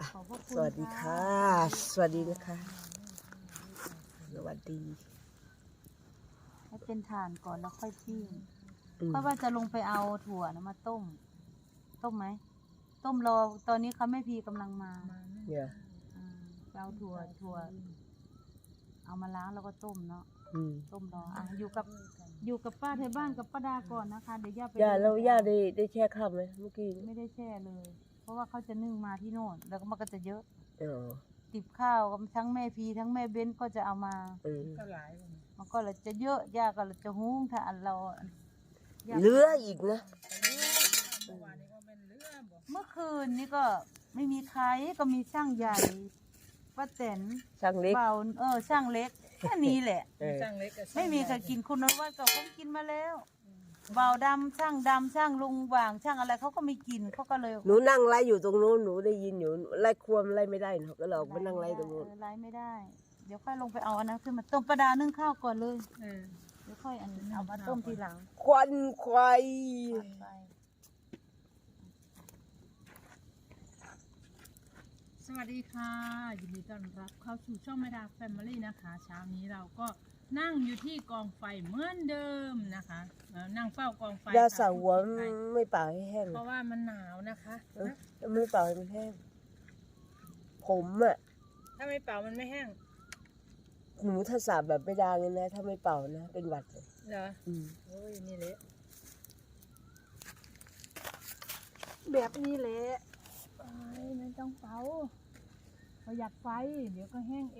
ขอบพระคุณสวัสดีค่ะ สวัสดีนะคะสวัสดีให้เป็นถ่านก่อนแล้วค่อยปิ้งเพราะว่าจะลงไปเอาถั่วนะมาต้มไหมต้มรอตอนนี้เขาแม่พีกำลังมาเนี่ยไปเอาถั่วเอามาล้างแล้วก็ต้มเนาะ ต้มรออยู่กับป้าไทยบ้านกับป้าดาก่อนนะคะเดี๋ยวย่าไปย่าแล้วย่าได้แช่ข้าวไหมเมื่อกี้ไม่ได้แช่เลย เพราะว่าเขาจะนึ่งมาที่โน่นแล้วก็มันก็จะเยอะอติบข้าวทั้งแม่พีทั้งแม่เบ้นก็จะเอามาก็หลายมันก็เลยจะเยอะย่าก็เลยจะหุ้งถ้าอันเราย่าเหลืออีกนะเมื่อวานนี้ก็เป็นเรื่องบอกเมื่อคืนนี้ก็ไม่มีใครก็มีช่างใหญ่ป้าแตนช่างเล็กเบาช่างเล็กแค่นี้แหละช่างเล็กกับไม่มีใครกินคุณนวัดก็คงกินมาแล้วเบาดำช่างลุงหว่างช่างอะไรเขาก็ไม่กินเขาก็เลยหนูนั่งไล่อยู่ตรงนู้นหนูได้ยินอยู่ไล่ควมไล่ไม่ได้เนาะก็เลยออกมานั่งไล่ตรงนู้นไล่ไม่ได้ เดี๋ยวค่อยลงไปเอาอันนั้นขึ้นมาต้มประดานึ่งข้าวก่อนเลยเออเดี๋ยวค่อยเอามาต้มทีหลังควันควายไปสวัสดีค่ะยินดีต้อนรับเข้าสู่ช่องแม่ดาแฟมิลี่นะคะเช้านี้เราก็นั่งอยู่ที่กองไฟเหมือนเดิมนะคะนั่งเฝ้ากองไฟยาค่ะสาวหัวไม่เป่าให้แห้งเพราะว่ามันหนาวนะคะไม่เป่าให้มันแห้งผมอ่ะถ้าไม่เป่ามันไม่แห้งหนูถ้าสาบแบบไม่ดังเลยนะถ้าไม่เป่านะเป็นหวัดเลยเหรอโอ้ยนี่แหละแบบนี้แหละไม่ต้องเป่าประหยัดไฟ เดี๋ยวก็แห้งเอง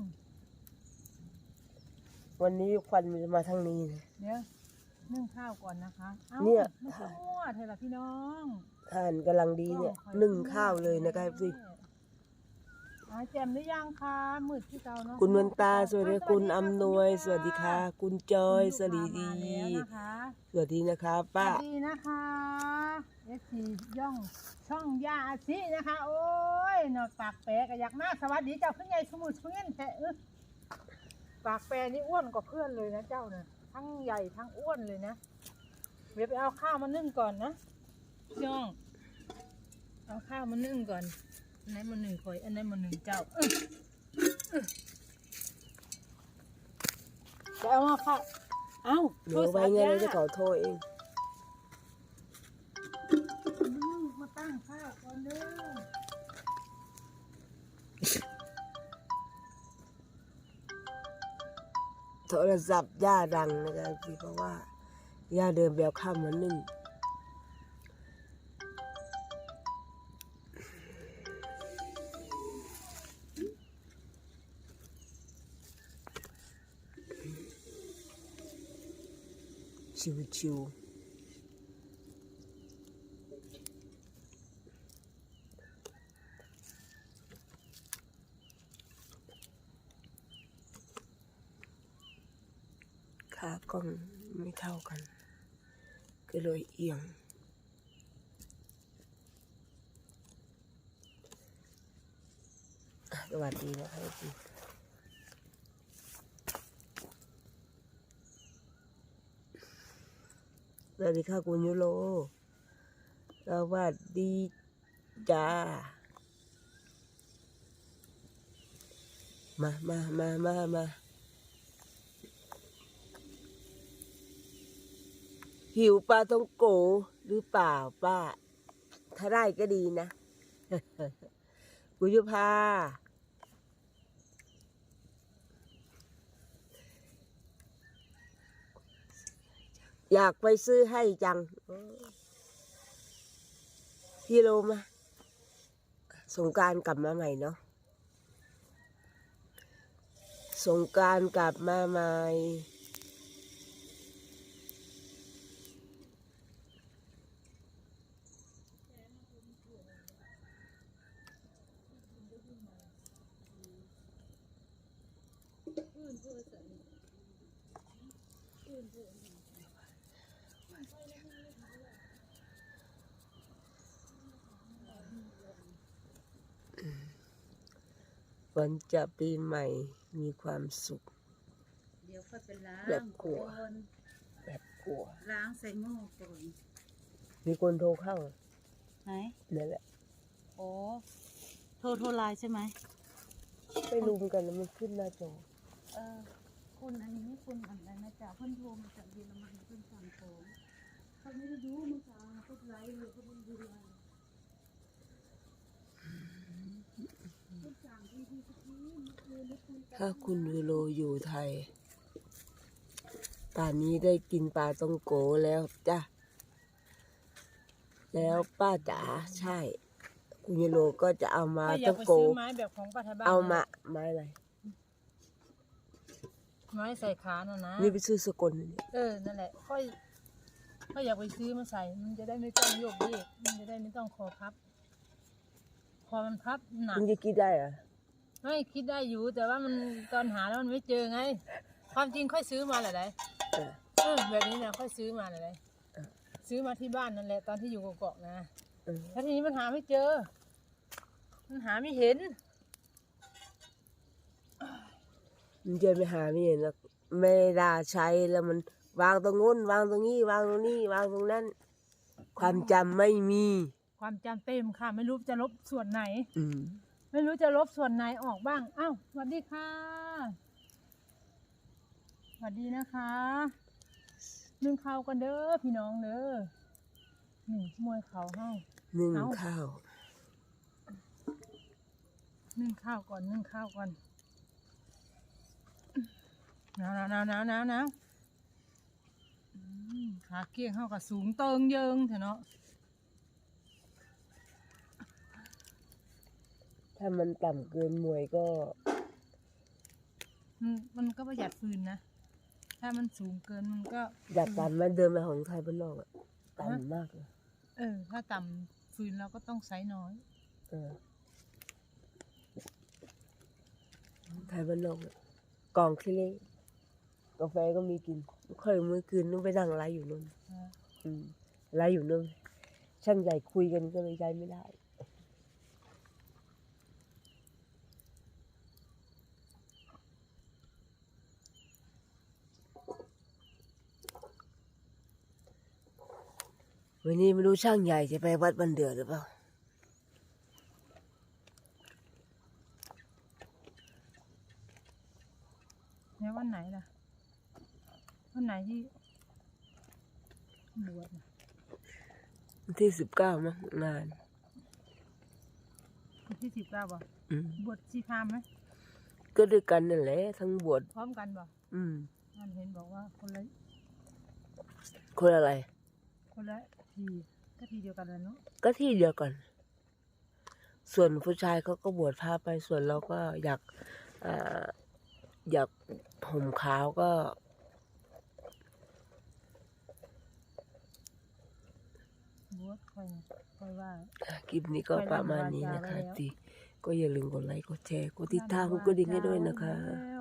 วันนี้ควันมันจะมาทางนี้นะเดี๋ยวนึ่งข้าวก่อนนะคะอาเนี่ยไม่ต้องมั่วเถอะล่ะพี่น้องทานกำลังดีเนี่ยนึ่งข้าวเลยนะครับสิแจ่มหรือยังคะมืดที่เก่าเนาะคุณเมือนตาสวัสดีคุณอำนวย สวัสดีค่ะ คุณจอยสวัสดีมาแล้วนะคะสวัสดีนะคะป้าสวัสดีนะคะเอฟซีย่องช่องยาอาชินะคะ โอ้ยนอกปากแปรก็อยากมาสวัสดีเจ้าขึ้นใหญ่สมุทรเพื่อนแต่ปากแปรนี่อ้วนกว่าเพื่อนเลยนะเจ้าเนี่ยทั้งใหญ่ทั้งอ้วนเลยนะเดี๋ยวไปเอาข้าวมานึ่งก่อนนะย่องเอาข้าวมานึ่งก่อนอันไหนมาหนึ่งคอยอันไหนมาหนึ่งเจ้าจะเอามาค่ะเอาหนูไว้ไงเราจะขอโทษเองมาตั้งข้าวก่อนเด้อโทรศัพท์ย่าดังนะครับพี่เพราะว่าย่าเดินแบวข้ามมานึ่งชิวๆขากล้องไม่เท่ากัน ก็เลยเอียงสวัสดีนะครับพี่สวัสดีค่ะคุณยูโรสวัสดีจ้ามาหิวปลาต้องโกหรือเปล่าป้า ถ้าได้ก็ดีนะ กุยุพาอยากไปซื้อให้จังพี่โลมาสงกรานต์กลับมาใหม่เนาะสงกรานต์กลับมาใหม่วันจะปีใหม่มีความสุขเดี๋ยวค่อยไปล้างแบบกลัวก่อนแบบกลัวล้างใส่หม้อก่อนมีคนโทรเข้าไหนนั่นแหละโอ้โทรไลน์ใช่ไหมไปลุมกันแล้วมันขึ้นหน้าจอคุณอันนี้คุณอะไรนะจ๊ะเพิ่นโทรมาจากเยอรมันเพิ่นสั่งของเขาไม่ได้ดูเมื่อเช้าเขาไลฟ์เลยเขาไม่ดูไลน์เพิ่นสั่งที่สักทีเมื่อคืนได้คุยกันถ้าคุณยูโรอยู่ไทยป่านนี้ได้กินปลาต้องโกแล้วจ้ะแล้วป้าจ๋าใช่ คุณยูโรก็จะเอามาก็อยาต้กองไปโกซื้อไม้แบบของป้าไทยบ้านเอามาไม้อะไรไม้ใส่ขาน่ะนะนี่ไปซื้อสกลนี่นั่นแหละก็อยากไปซื้อมาใส่ มันจะได้ไม่ต้องโยกเยกมันจะได้ไม่ต้องคอพับ คอมันพับหนักมันจะกินได้เหรอไม่คิดได้อยู่ แต่ว่ามันตอนหาแล้วมันไม่เจอไง ความจริงค่อยซื้อมาแหละไรเออแบบนี้นะค่อยซื้อมาแหละไรเออซื้อมาที่บ้านนั่นแหละตอนที่อยู่เกาะๆนะเออแล้วทีนี้มันหาไม่เจอ มันหาไม่เห็นมันจะไปหาไม่เห็นหรอกไม่ได้ใช้แล้วมันวางตรงนู้นวางตรงนี้วางตรงนี้วางตรงนั้น ความจำไม่มีความจำเต็มค่ะ ไม่รู้จะลบส่วนไหนอืมไม่รู้จะลบส่วนไหนออกบ้าง อ้าวสวัสดีค่ะ สวัสดีนะคะนึ่งข้าวกันเด้อพี่น้องเด้อนี่มวยเขาเฮ้านึ่งเอ้าข้าวนึ่งข้าวก่อนนึ่งข้าวก่อนหนาวขาเกี้ยงเข้ากับสูงเติงเยิงเถอะเนาะถ้ามันต่ำเกินมวยก็มันก็ประหยัดฟืนนะ ถ้ามันสูงเกินมันก็อยากต่ำมันเดินมาของไทยบ้านนอกอะต่ำมากเลยถ้าต่ำฟืนเราก็ต้องใช้น้อยเออไทยบ้านนอกอะกล่องขี้เล็กกาแฟก็มีกินเคยมื้อคืนนึงไปนั่งไลฟ์อยู่นู่นไลฟ์อยู่นู่นช่างใหญ่คุยกันก็เลยใช้ไม่ได้วันนี้ไม่รู้ช่างใหญ่จะไปวัดบันเดือหรือเปล่าแล้ววันไหนล่ะ วันไหนที่บวชน่ะวันที่19มั้งงานวันที่19บ่อืมบวชชีพราหมณ์ไหมก็ด้วยกันนั่นแหละทั้งบวชพร้อมกันบ่ มันเห็นบอกว่าคนละคนอะไรทีก็ทีเดียวกันเลยเนาะก็ที่เดียวกัน ส่วนผู้ชายเขาก็บวชพระไปส่วนเราก็อยากห่มขาวก็บวชค่อยว่าคลิปนี้ก็ประมาณนี้นะคะตีก็อย่าลืมกดไลค์กดแชร์กดติดตามกดกระดิ่งให้ด้วยนะคะ